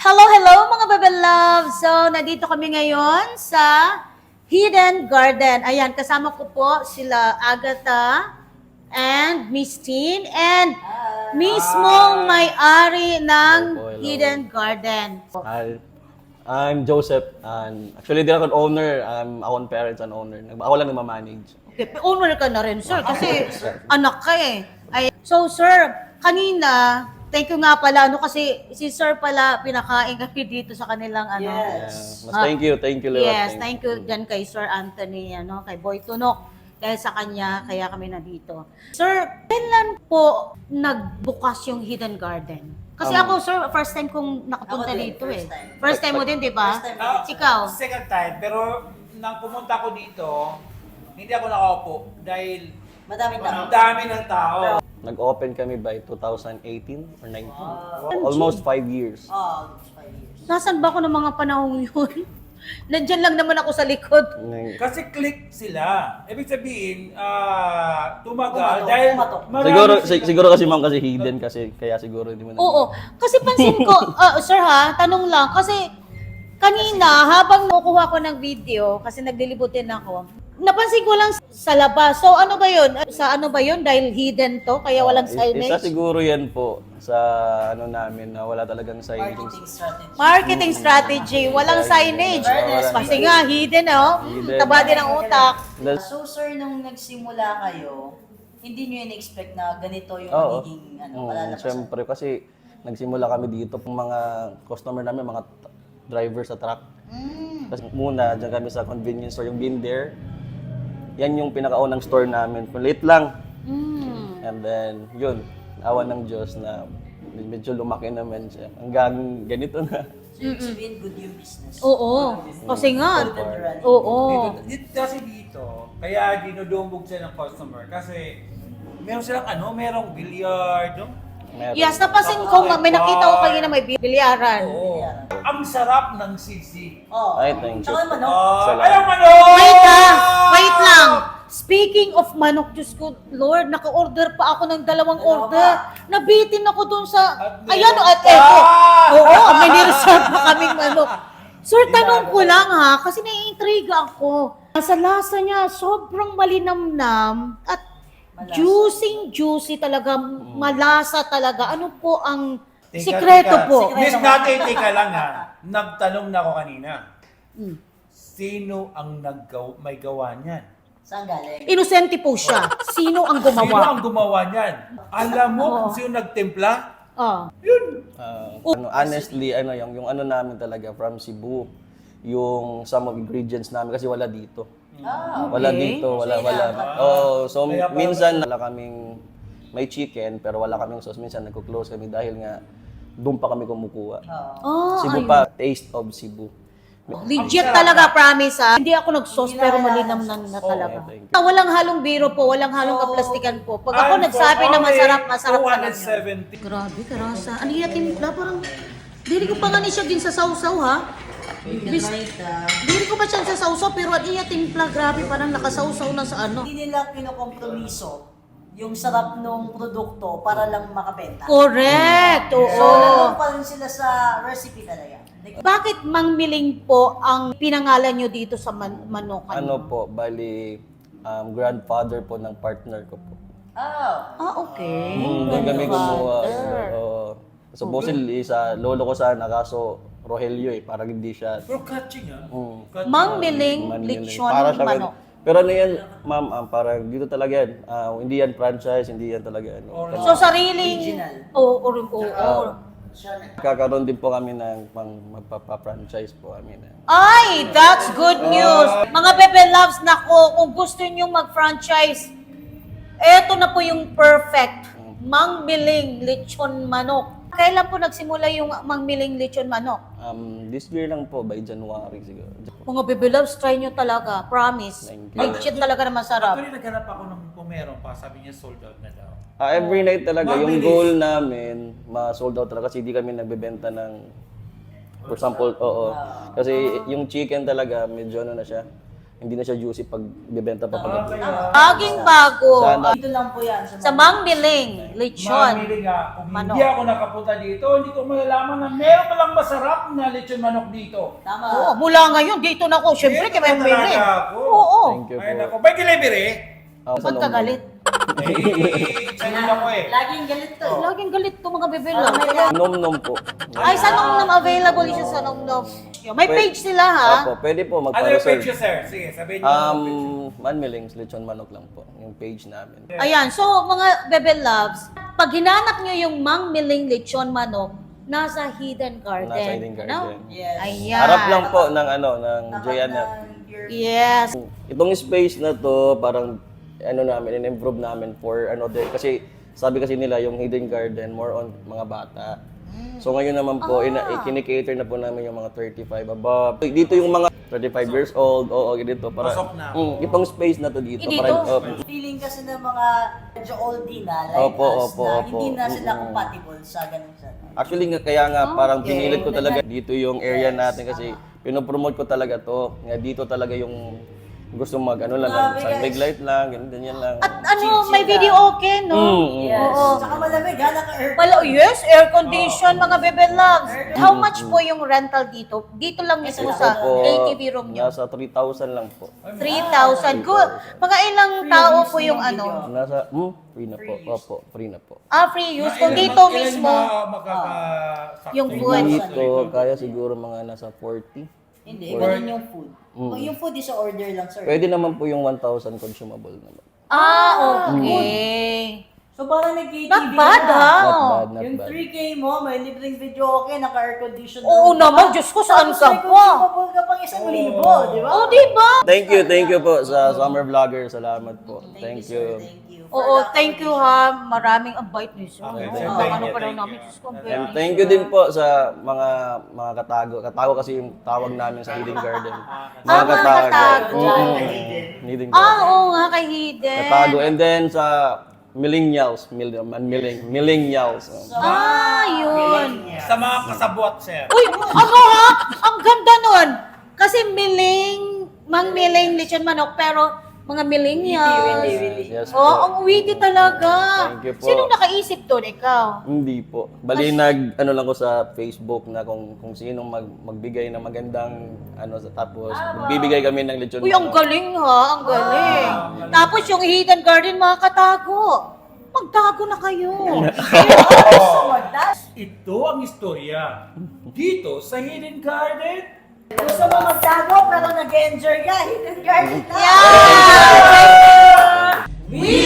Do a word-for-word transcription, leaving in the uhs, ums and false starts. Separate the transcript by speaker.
Speaker 1: Hello, hello mga Bebe Love! So, nandito kami ngayon sa Hidden Garden. Ayan, kasama ko po sila Agatha and Miss Tin and mismong may-ari ng
Speaker 2: Hello po, hello.
Speaker 1: Hidden Garden.
Speaker 2: Hi, I'm Joseph. And actually, di ako owner. I'm akong parents and owner. Nag- Ako lang nagmamanage.
Speaker 1: Okay, owner ka na rin, sir, kasi anak ka eh. Ay, so, sir, kanina, thank you nga pala, ano, kasi si sir pala, pinakain kami dito sa kanilang, ano.
Speaker 2: Yeah.
Speaker 3: Yes.
Speaker 2: Mas thank you, thank you, Lewat.
Speaker 1: Yes, thank you dyan kay Sir Anthony, ano, kay Boy Tunok. Dahil sa kanya, kaya kami nandito. Sir, kailan po nagbukas yung Hidden Garden? Kasi
Speaker 2: Um,
Speaker 1: ako, sir, first time kong nakapunta
Speaker 3: Ako din,
Speaker 1: dito
Speaker 3: first
Speaker 1: eh.
Speaker 3: time.
Speaker 1: First time mo din, di ba?
Speaker 3: First time.
Speaker 4: Ah,
Speaker 1: Ikaw?
Speaker 4: Second time, pero nang pumunta ko dito, hindi ako nakaupo dahil
Speaker 3: Madaming tao.
Speaker 4: ang dami ng tao.
Speaker 2: Nag-open kami by two thousand eighteen or nineteen. Almost five years.
Speaker 3: Oh, five years.
Speaker 1: Nasaan ba ako ng mga panahon yun? Nandyan lang naman ako sa likod.
Speaker 2: Nang-
Speaker 4: Kasi click sila. Ibig sabihin, ah, tumagal
Speaker 3: Pumatok,
Speaker 4: dahil
Speaker 3: pumatok.
Speaker 4: marami
Speaker 2: Siguro,
Speaker 4: sila-
Speaker 2: si- siguro kasi ma'am kasi hidden kasi kaya siguro hindi mo na.
Speaker 1: Oo. Kasi pansin ko, ah, sir ha, tanong lang, kasi kanina, habang nakukuha ko ng video, kasi naglilibutin ako, napansin ko lang sa labas. So ano ba yun? Sa ano ba yun? Dahil hidden to, kaya walang
Speaker 2: Is- Isa
Speaker 1: signage?
Speaker 2: siguro yan po sa ano namin na wala talagang signage.
Speaker 3: Marketing strategy.
Speaker 1: Marketing strategy, walang signage.
Speaker 3: Fairness,
Speaker 1: Kasi nga, hidden oh.
Speaker 2: Hidden.
Speaker 1: Taba din ang utak.
Speaker 2: That's-
Speaker 3: So sir, nung nagsimula kayo, hindi nyo in-expect na ganito yung
Speaker 2: Oo.
Speaker 3: magiging ano,
Speaker 2: Oo,
Speaker 3: palalabasan?
Speaker 2: Siyempre, kasi nagsimula kami dito, yung mga customer namin, mga t- driver sa truck.
Speaker 3: Mm.
Speaker 2: Kasi muna, dyan kami sa convenience store, yung Been There. Yan yung pinakaunang store namin. Late lang.
Speaker 1: Mm.
Speaker 2: And then, yun, awa ng Diyos na medyo lumaki naman siya. Hanggang ganito na.
Speaker 3: So yung sabihin, good yung business.
Speaker 1: Oo. Kasi nga,
Speaker 3: Good and running.
Speaker 1: oo.
Speaker 4: Dito, dito, kasi dito, kaya dinudumbog sila ng customer. Kasi meron silang ano, merong billiard, no?
Speaker 2: Meron.
Speaker 1: Yes, napansin ko, may nakita ko kayo na may bilyaran.
Speaker 4: Oo. Ang sarap ng sisig.
Speaker 3: Oh.
Speaker 2: Ay, thank you.
Speaker 3: Tsaka yung manok.
Speaker 4: Ah,
Speaker 2: Salamat.
Speaker 4: ayaw manok!
Speaker 1: Wait ah! Wait lang! Speaking of manok, Diyos ko, Lord, naka-order pa ako ng dalawang
Speaker 3: Dalawa
Speaker 1: order. Nabitin ako dun sa...
Speaker 4: At
Speaker 1: Ayan,
Speaker 4: meron
Speaker 1: at
Speaker 4: pa!
Speaker 1: eto. Oo, may nireserve pa kaming manok. Sir, tanong ko lang ha, kasi naiintriga ako. Sa lasa niya, sobrang malinamnam at
Speaker 3: Malasa.
Speaker 1: juicy-juicy talaga, malasa talaga. Ano po ang
Speaker 4: Teka,
Speaker 1: sikreto
Speaker 4: teka.
Speaker 1: po?
Speaker 4: Miss Nate, teka lang ha. Nagtanong na ako kanina.
Speaker 1: Hmm.
Speaker 4: Sino ang naggaw may gawa niyan?
Speaker 3: Saan galing?
Speaker 1: Inosente po siya. Sino ang
Speaker 4: Sino
Speaker 1: gumawa?
Speaker 4: ang gumawa niyan? Alam mo
Speaker 1: Oo.
Speaker 4: kung sino nagtimpla?
Speaker 1: Ah.
Speaker 2: Ah, ano, honestly, ano yung, yung ano namin talaga from Cebu, yung some of ingredients namin kasi wala dito.
Speaker 3: Ah,
Speaker 2: Wala
Speaker 1: Okay.
Speaker 2: dito, wala,
Speaker 3: So,
Speaker 2: wala.
Speaker 3: inaaman.
Speaker 2: Oh, so
Speaker 4: Kaya pala-
Speaker 2: minsan wala kaming may chicken pero wala kaming sauce. Minsan nagko-close kami dahil nga doon pa kami kumukuha.
Speaker 3: oh.
Speaker 1: Oh,
Speaker 2: Cebu
Speaker 1: ayun.
Speaker 2: pa, taste of Cebu.
Speaker 1: Legit talaga, promise ha. Hindi ako nag-sauce pero malinam na, na talaga.
Speaker 2: thank you.
Speaker 1: Ah, walang halong biro po, walang halong kaplastikan po. Pag ako
Speaker 4: And
Speaker 1: nagsabi
Speaker 4: for
Speaker 1: na
Speaker 4: only
Speaker 1: masarap, masarap
Speaker 4: two
Speaker 1: talaga.
Speaker 4: hundred seventy.
Speaker 1: Grabe, karasa. Ano yung timpla? Parang, dili ko pa nga ni siya din sa sausaw ha. Bis,
Speaker 3: Ita.
Speaker 1: dili ko pa siya sa sausaw pero ano yung timpla? Grabe, parang nakasausaw na sa ano.
Speaker 3: Hindi nila kinokompromiso yung sarap ng produkto para lang makabenta.
Speaker 1: Correct, oo.
Speaker 3: So, nandun pa rin sila sa recipe talaga. Like,
Speaker 1: Bakit Mang Miling po ang pinangalan nyo dito sa man- manokan?
Speaker 2: Ano po, bali um, grandfather po ng partner ko po.
Speaker 3: oh.
Speaker 1: Ah, okay.
Speaker 2: Mm, doon kami gumawa.
Speaker 1: Grandfather.
Speaker 2: Oo. Supposedly sa lolo ko sana kaso Rogelio eh, parang hindi siya.
Speaker 4: Pero catching ah.
Speaker 2: Mm.
Speaker 4: Catching.
Speaker 1: Mang Miling,
Speaker 2: Manila.
Speaker 1: lechon,
Speaker 2: Para siya
Speaker 1: manok.
Speaker 2: Pero ano yan, ma'am, ah, parang dito talaga yan. Ah, hindi yan franchise, hindi yan talaga ano.
Speaker 4: Original.
Speaker 1: So, sariling...
Speaker 3: Original.
Speaker 1: Oo, oo, oo. oo.
Speaker 3: Siya na.
Speaker 2: Kakaroon din po kami ng pang magpapa-franchise po kami na.
Speaker 1: Ay, that's good news. Mga Bebe Loves, nako, kung gusto nyo mag-franchise, eto na po yung perfect. Mang Miling Lechon Manok. Kailan po nagsimula yung Mang Miling Lechon Manok?
Speaker 2: Um, this year lang po, by January siguro.
Speaker 1: Mga Bebe Loves, try nyo talaga. Promise.
Speaker 2: Thank you.
Speaker 1: Legit talaga na masarap.
Speaker 4: Actually, naghanap ako ng kung meron pa. Sabi niya sold out na daw.
Speaker 2: Ah, every night talaga, yung
Speaker 4: Mabilis.
Speaker 2: goal namin, ma-sold out talaga kasi hindi kami nagbebenta ng, for example, oo. Kasi yung chicken talaga, medyo ano na siya, hindi na siya juicy pag bibenta pa
Speaker 4: Ah,
Speaker 2: pag
Speaker 4: kaya...
Speaker 1: Laging bago.
Speaker 2: Sana.
Speaker 3: Dito lang po yan.
Speaker 1: Sa Mang Miling, lechon.
Speaker 4: Mamili nga, kung
Speaker 1: Manok.
Speaker 4: hindi ako nakapunta dito, hindi ko malalaman na meron palang masarap na lechon manok dito.
Speaker 3: Tama.
Speaker 1: Oo, mula ngayon, dito na ako. Siyempre,
Speaker 4: Dito
Speaker 1: kaya
Speaker 4: na
Speaker 1: may
Speaker 4: talaga
Speaker 1: Miling.
Speaker 4: ako.
Speaker 1: Oo.
Speaker 2: Thank you
Speaker 4: Ay,
Speaker 2: po.
Speaker 4: nako. May delivery?
Speaker 2: Ako sa
Speaker 1: Ba't ka
Speaker 2: Nongnong.
Speaker 1: galit?
Speaker 4: Eh, sa'yo ako eh.
Speaker 3: Laging galit to. eh.
Speaker 1: Laging galit to mga bebe
Speaker 3: Ah,
Speaker 1: lang.
Speaker 3: may lang.
Speaker 2: Nom-nom po.
Speaker 1: Ay, sa Nongnom, available siya sa Nongnom. May
Speaker 2: Pwede-
Speaker 1: page sila ha.
Speaker 2: Opo, pwede po
Speaker 4: Ano yung
Speaker 2: magpa-reserve.
Speaker 4: page niyo, sir? Sige, sabihin niyo.
Speaker 2: Um, Manmilings, lechon manok lang po. Yung page namin.
Speaker 1: Ayan, so mga bebe loves, pag hinanap nyo yung Mang Miling lechon manok, nasa Hidden Garden.
Speaker 2: Nasa Hidden Garden.
Speaker 1: No?
Speaker 3: Yes.
Speaker 1: Ayan.
Speaker 2: Harap lang po ng ano, ng
Speaker 3: Tapat
Speaker 2: Joyanna.
Speaker 3: ng your-
Speaker 1: Yes.
Speaker 2: Itong space na to, parang ano namin, in-improve namin for another, kasi sabi kasi nila yung Hidden Garden, more on mga bata. So ngayon naman po, ina, ikini-cater na po namin yung mga thirty-five above. Dito yung mga thirty-five years old, oo, dito. Para,
Speaker 4: Pasok na.
Speaker 2: Mm, itong space na to dito.
Speaker 1: Eh, dito?
Speaker 2: Para, oh,
Speaker 3: Feeling kasi ng mga medyo oldie na, like
Speaker 2: Opo,
Speaker 3: us,
Speaker 2: opo,
Speaker 3: na
Speaker 2: opo.
Speaker 3: hindi na sila
Speaker 2: Mm.
Speaker 3: compatible sa ganun sa...
Speaker 2: actually nga, kaya nga parang
Speaker 1: Okay.
Speaker 2: pinilit ko talaga dito yung area natin kasi pinopromote ko talaga to. Nga dito talaga yung gusto mag ano lang,
Speaker 3: Grabe,
Speaker 2: sun big
Speaker 3: guys.
Speaker 2: light lang, ganyan, ganyan lang.
Speaker 1: At ano,
Speaker 3: Chill-chill
Speaker 1: may
Speaker 3: lang.
Speaker 1: video okay, no?
Speaker 2: Mm, mm.
Speaker 3: Yes.
Speaker 1: Oo.
Speaker 3: Saka malamig, ha? Naka-air.
Speaker 1: Wala, yes, air condition, mga bebe loves. How much po yung rental dito? Dito lang mismo
Speaker 2: Ito
Speaker 1: sa
Speaker 2: po,
Speaker 1: A T V room nyo.
Speaker 2: nasa three thousand lang po.
Speaker 1: three thousand. Good. Mga ilang tao po yung ano?
Speaker 2: Nasa, hmm, free na po. Opo, free na po.
Speaker 1: Ah, free use. Kung
Speaker 4: Ilan-
Speaker 1: dito
Speaker 4: ilan
Speaker 1: mismo,
Speaker 4: ma- makakasakto?
Speaker 1: yung food.
Speaker 2: Dito, kaya siguro mga nasa forty.
Speaker 3: Hindi, ganun yung food. Yung food is a order lang, sir.
Speaker 2: Pwede naman po yung one thousand consumable naman.
Speaker 1: ah, okay.
Speaker 3: So parang nag-K T V
Speaker 1: Not bad,
Speaker 3: na.
Speaker 1: ha?
Speaker 2: Not bad, not
Speaker 3: Yung
Speaker 2: bad.
Speaker 3: three K mo, may libreng video okay, naka-air condition.
Speaker 1: Oo naman, Diyos ko, saan
Speaker 3: Tapos
Speaker 1: ka
Speaker 3: may
Speaker 1: pa?
Speaker 3: consumable ka pang isang libo, di ba?
Speaker 1: Oh, di ba?
Speaker 2: Thank you, thank you po sa Summer Vlogger. Salamat po. Thank
Speaker 3: sir.
Speaker 2: you.
Speaker 3: Thank you.
Speaker 1: Oo, thank you ha. Maraming ang bite ni sir.
Speaker 4: Okay,
Speaker 1: Oo,
Speaker 4: sir,
Speaker 1: ang
Speaker 4: thank
Speaker 1: ano
Speaker 4: you,
Speaker 1: pa daw
Speaker 4: thank
Speaker 1: namin,
Speaker 4: you.
Speaker 1: Diyos ko,
Speaker 2: And
Speaker 1: very
Speaker 2: thank you din po sa mga mga katago. Katago kasi yung tawag namin sa Hidden Garden.
Speaker 1: Ah, mga katago.
Speaker 2: Mm, Hidden
Speaker 1: Ah,
Speaker 2: Garden.
Speaker 1: oo nga, kay Hidden.
Speaker 2: Katago. And then sa millennials, mil, milling, millennials.
Speaker 1: Ah, yun.
Speaker 4: Sa mga kasabwat, sir.
Speaker 1: Uy, ano ha? Ang ganda nun. Kasi miling, mang miling lechon manok, pero mga millennials.
Speaker 2: Yes
Speaker 1: Oo,
Speaker 2: po.
Speaker 1: ang witty talaga.
Speaker 2: Thank you po.
Speaker 1: Sinong nakaisip doon? Ikaw?
Speaker 2: Hindi po. Bali nag ano lang ko sa Facebook na kung kung sinong mag, magbigay ng magandang ano sa tapos magbibigay kami ng lechon.
Speaker 1: Uy, ang
Speaker 2: manok.
Speaker 1: galing ha, ang galing. Tapos yung Hidden Garden, mga katago. Magtago na kayo.
Speaker 3: So, that's
Speaker 4: Ito ang istorya. Dito sa Hidden Garden,
Speaker 3: gusto mo magtago pero nag-enjoy ka. Hidden garden na.
Speaker 1: Yeah! We